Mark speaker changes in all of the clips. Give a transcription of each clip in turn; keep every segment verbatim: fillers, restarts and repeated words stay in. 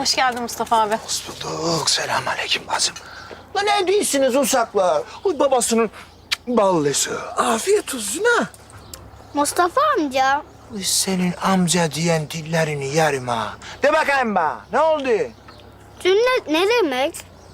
Speaker 1: Hoş geldin Mustafa abi.
Speaker 2: Hoş bulduk. Selamünaleyküm bacım. Lan ne değilsiniz uşaklar? Uy babasının ballısı. Afiyet olsun ha.
Speaker 3: Mustafa amca,
Speaker 2: Uy senin amca diyen dillerini yerim ha. De bakayım bana. Ne oldu?
Speaker 3: sünnet ne demek?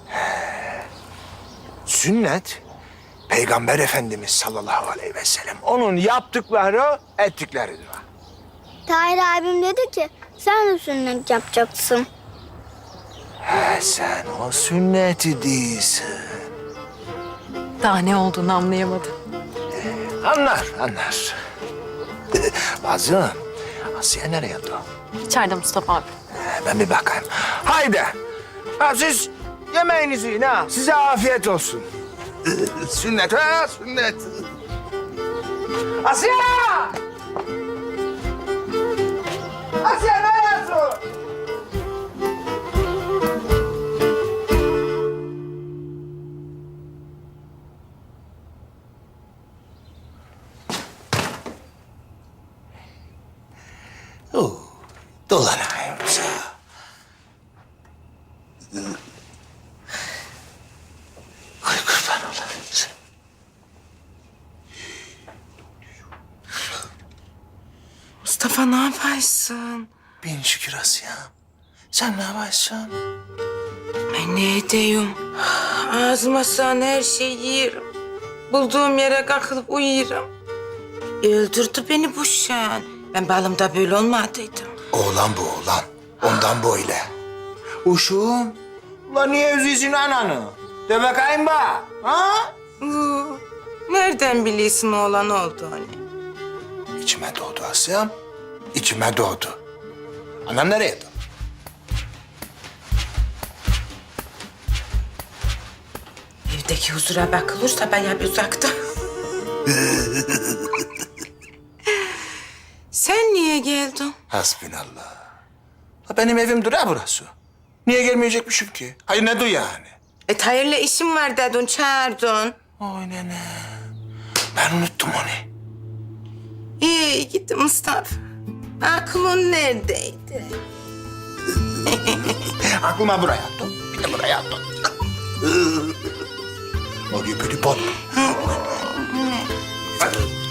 Speaker 2: Sünnet, Peygamber Efendimiz sallallahu aleyhi ve sellem onun yaptıkları, ettikleridir.
Speaker 3: Tahir abim dedi ki sen de sünnet yapacaksın.
Speaker 2: He sen o sünneti değilsin.
Speaker 1: Daha ne olduğunu anlayamadı.
Speaker 2: Anlar, anlar. Bacım, Asiye nereye gitti?
Speaker 1: İçeride Mustafa abi.
Speaker 2: Ben bir bakayım. Haydi. Ha, siz yemeğinizi yiyin ha. Size afiyet olsun. Sünnet ha, sünnet. Asiye! Asiye ne yapıyorsun? Oo, dolanayım sana. Ay kurban olayım sana.
Speaker 4: Mustafa ne yaparsın?
Speaker 2: Bin şükür Asiye. Sen ne yaparsın?
Speaker 4: Ay ne edeyim? Ağzıma sığan her şeyi yerim. Bulduğum yere kalkıp uyuyorum. Öldürdü beni bu şan. Ben balımda böyle olmadıydım.
Speaker 2: Oğlan bu oğlan. Ondan böyle. Uşum. Ulan niye üzüyorsun ananı? De bakayım bak. Ha?
Speaker 4: Uu, nereden biliyorsun oğlan olduğunu?
Speaker 2: İçime doğdu Asiyem. İçime doğdu. Anam nereye doğdu?
Speaker 4: Evdeki huzura bakılırsa bayağı bir uzakta. Sen niye geldin?
Speaker 2: Hasbinallah. Ha, benim evim dura burası. Niye gelmeyecekmişim ki? Hayır ne du yani?
Speaker 4: E Tahir'le işim var dedin, çağırdın.
Speaker 2: Oy nene. Ben unuttum onu.
Speaker 4: İyi gitti Mustafa. Aklın neredeydi?
Speaker 2: Aklıma buraya attım. Bir de buraya attım. Oraya böyle bot. Hadi.